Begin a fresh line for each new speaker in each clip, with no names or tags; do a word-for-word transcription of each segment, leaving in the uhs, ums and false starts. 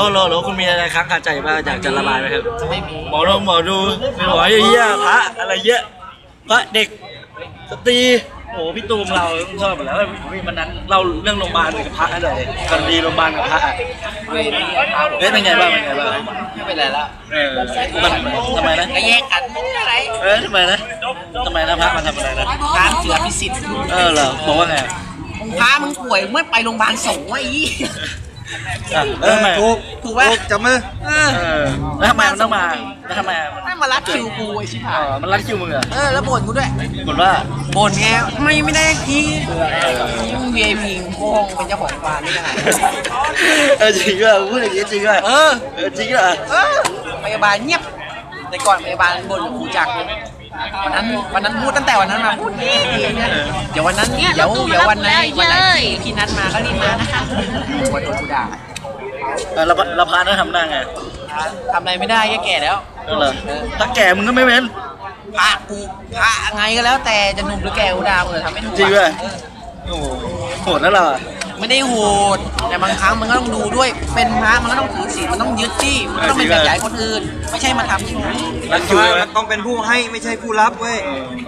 โหลโหลคุณมีอะไรค้างคาใจบ้างอยากจะระบายไหมครับ
ไม่มี
หมอดูหมอดูหมอเยี่ยพระอะไรเยอะพระเด็กสตรีโอ้พี่ตูมเราชอบอยู่แล้ววันนั้นเราเรื่องโรงพยาบาลกับพระอะไรกันดีโรงพยาบาลกับพระเฮ้ยเป็นไงบ้างเป็นไงบ้าง
ไม่เป็นไรแล้ว
เออมันทำไมนะ
ก็แยกกันอะไร
เออทำไมนะทำไมนะพระมาทำอะไรนะ
ตามเสือพิสิทธิ์
เออเหรอบอกว่าไง
พามึงป่วยไม่ไปโรงพยาบาลส่งไว้อี
เออทำไม
ถูก
ถูกป่ะ
จับมือ
เออ
เออแล้วทำไมมันต้องมาแล้วทำไม
ไม่มารัดคิวกูไอ้ชิบ
เอ
หาย
อมันรัดคิวมึงเหรอ
เออแล้วบ่นกูด้วย
บ่นว่า
บ่นไงทำไมไม่ได้ทีมึง วี ไอ พี โค้งเป็นเจ้าของฟาร์มนี่ยังไง
เออจริงอ่ะพูดอย่างนี้จริงอ่ะ
เออ
เออจริงอ่ะ
เออพยาบาลเงียบแต่ก่อนพยาบาลบ่นกับครูจักรเลยวันนั้นวันนั้นพูดตั้งแต่วันนั้นมาพูดดีเนี่ยเดี๋ยววันนั้นเดี๋ยวเดี๋ยววันไหนวันไหนที่พี่นัดมาก็รีบมานะคะวันโดนกูด่า
เออเราเราพานะทำหน้าไง
ทำอะไรไม่ได้แค่แก่แล้ว
เออเหรอถ้าแก่มึงก็ไม่เป็น
พระกูพระไงก็แล้วแต่จะหนุ่มหรือแก่กูด่าเออทำไม่ถูก
จริงด้วยโอ้โหโหดนะเราอ่ะ
ไม่ได้โหดแต่บางครั้งมันก็ต้องดูด้วยเป็นพระมันก็ต้องถือศีลมันต้องยึดที่มันต้องเป็นแบบอย่างคนอื่นไม่ใช่มาทำอย่างนี้
รัดคิวเลยไหม
มันต้องเป็นผู้ให้ไม่ใช่ผู้รับเว้ย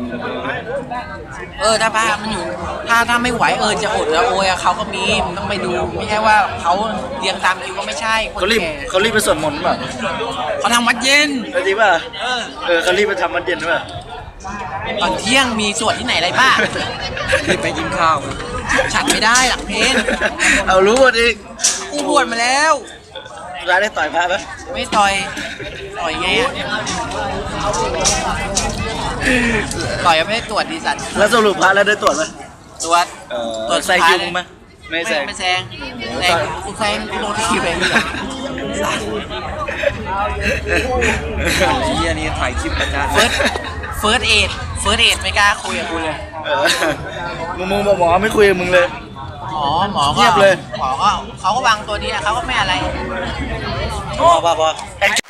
เออถ้าพระมันอยู่ถ้าถ้าไม่ไหวเออจะอดแล้วโอยอะเขาก็มีมันต้องไปดูไม่ใช่ว่าเขาเรียงตามคิวก็ไม่ใช่คน
เขารีบ
แก่
เขารีบไปสวดมนต์ป่ะ
เขาทำวัดเย็น
เออจริงป่ะเออเขารีบไปทำวัดเย็นป่ะ
ตอนเที่ยงมีสวดที่ไหนอะไรบ้าง
รีบไปกินข้าว
ฉันไม่ได้หลังเพลง
เอารู้หมดอีก
กูบวชมาแล้ว
ร้านได้ต่อยพระไหม
ไม่ต่อยต่อยไงอะต่อยยังไม่ได้ตรวจดีสัตว์
แล้วสรุปพระแล้วได้ตรวจไหม
ตรวจ
เออ
ตรวจ
ใส่คิวมึงไหมไม่
ไม่
ใส่
ไม่แซงแซงกูแซงกูโดนทีไปเลยสัตว์
ไอ้เหี้ยนี่ถ่ายคลิปประจาน
เฟิร์สเฟิร์สเอดเฟิร์สเอดไม่กล้าคุยกับกูเลย
เออมึงมึงบอกหมอไม่คุยกับมึงเลย
หมอหมอ
เงี
ก็
ยบเลย
หมอก็เขาก็วางตัวนี้แหละเขาก็ไม่อะไร
พอพอพอ